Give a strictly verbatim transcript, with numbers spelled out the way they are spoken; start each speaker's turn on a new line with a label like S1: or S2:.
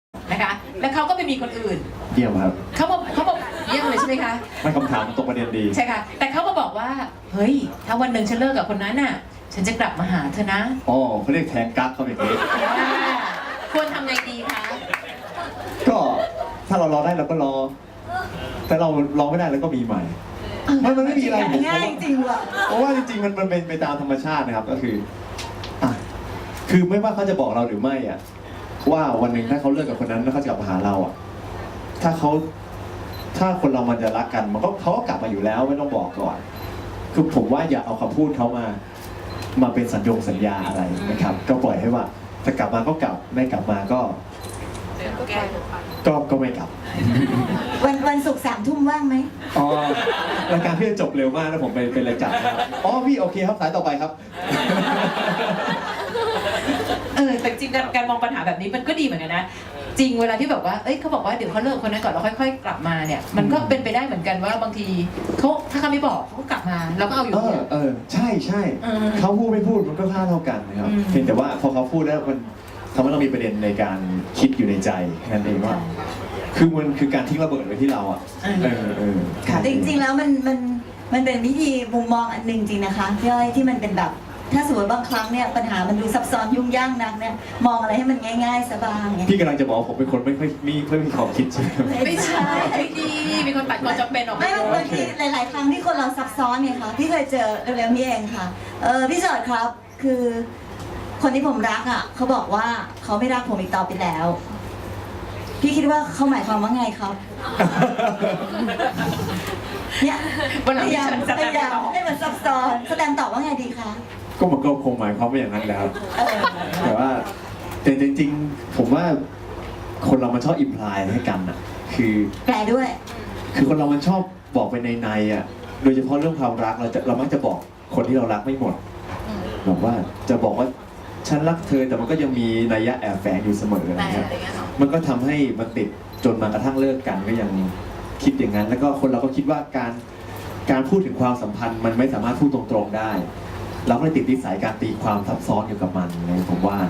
S1: นะคะแล้วเขาก็ไปมีคนอื่น
S2: เยี่ยมครับ
S1: เขาบอกเขาบอกเยี่ยมเลยใช่ไหมคะ
S2: ไม่คำถามตรงประเด็นดี
S1: ใช่ค่ะแต่เขามาบอกว่าเฮ้ยถ้าวันหนึ่งฉันเลิกกับคนนั้นน่ะฉันจะกลับมาหาเธอนะ
S2: อ๋อเขาเรียกแทงกั๊กเขาอย่างนี้
S1: อ่าควรทำไงดีคะ
S2: ก็ถ้าเรารอได้เราก็รอ แต่เรารอไม่ได้เราก็มีใหม่มันมันไม่มีอะไรผม
S3: ง่ายจริงว่ะ
S2: เพราะว่าจริงๆมันมันเป็นไปตามธรรมชาตินะครับก็คืออ่ะคือไม่ว่าเขาจะบอกเราหรือไม่อ่ะว่าวันหนึ่งถ้าเขาเลิกกับคนนั้นแล้วเขาจะกลับมาหาเราอ่ะถ้าเขาถ้าคนเรามันจะรักกันมันก็เขาก็กลับมาอยู่แล้วไม่ต้องบอกก่อน คือผมว่าอย่าเอาคำพูดเขามา มาเป็นสัญญงสัญญาอะไรนะครับ ก็ปล่อยให้ว่าจะกลับมาก็กลับไม่กลับมาก็ ก็ก็ไม่กลับ
S3: วันวันศุกร์สามทุ่มว่างไหม
S2: อ๋อรายการพี่จะจบเร็วมากแล้วผมเป็นเป็นรายจัดนะครับอ๋อพี่โอเคครับสายต่อไปครับ
S1: เออแต่จริงๆการมองปัญหาแบบนี้มันก็ดีเหมือนกันนะจริงเวลาที่แบบว่าเอ้ยเขาบอกว่าเดี๋ยวเขาเลิกคนนั้นก่อนแล้วค่อยๆ กลับมาเนี่ยมันก็เป็นไปได้เหมือนกันว่าบางทีเขาถ้าเขาไม่บอกเขาก็กลับมาเราก็เอาอยู่
S2: เอ
S1: ดี
S2: อเออใช่ใช่
S1: เออ
S2: เขาพูดไม่พูดมันก็ค่าเท่ากันนะครับ
S1: อืม
S2: เพียงแต่ว่าพอเขาพูดแล้วมันทำให้เรามีประเด็นในการคิดอยู่ในใจแค่นั้นเองว่า คือมันคือการทิ้งระเบิดไว้ที่เราอ่ะเออเออ
S3: แต่จริงๆแล้วมันมันมันเป็นวิธีมุมมองอันหนึ่งจริงนะคะพี่อ้อยที่มันเป็นแบบถ้าสมมติบางครั้งเนี่ยปัญหามันดูซับซ้อนยุ่งยากนักเนี่ยมองอะไรให้มันง่ายๆสบายไง
S2: พี่กำลังจะบอกว่าผมเป็นคนไม่ค่อยมีไม่มีความคิดใช่ไหม
S1: ไม่ใช่ไม่ดีมีคนตัดความจำเป็นออกไป
S3: ไม่บางทีหลาย ๆ ครั้งที่คนเราซับซ้อนเนี่ยค่ะพี่เคยเจอเร็วๆนี้เองค่ะเออพี่จอดครับคือคนที่ผมรักอ่ะเขาบอกว่าเขาไม่รักผมอีกต่อไปแล้ว พี่คิดว่าเขาหมายความว่าไงครับ เนี่ย
S1: วันหลัง
S3: พยายาม
S1: ฉันจะ
S3: พยายาม
S1: ตอบ
S3: ให้มันซับซ้อนแสดงตอบว่าไงดีคะ
S2: ก็มันก็คงหมายความว่าอย่างนั้นแหล้ว
S3: เออ
S2: แต่ว่าแต่จริงๆ ผมว่าคนเรามันชอบอิมพลายให้กันอ่ะ คือ
S3: แปลด้วย
S2: คือคนเรามันชอบบอกไปในในๆอ่ะ โดยเฉพาะเรื่องความรักเราจะเรามักจะบอกคนที่เรารักไม่หมดบอกว่าจะบอกว่าฉันรักเธอแต่มันก็ยังมีนัยยะแอบแฝงอยู่เสมออะไรเงี้ยมันก็ทำให้มันติดจนมากระทั่งเลิกกันก็ยังคิดอย่างนั้น แล้วก็คนเราก็คิดว่าการการพูดถึงความสัมพันธ์ มันไม่สามารถพูดตรงๆได้ เราก็เลยติดนิสัยการตีความซับซ้อนอยู่กับมันเลยผมว่า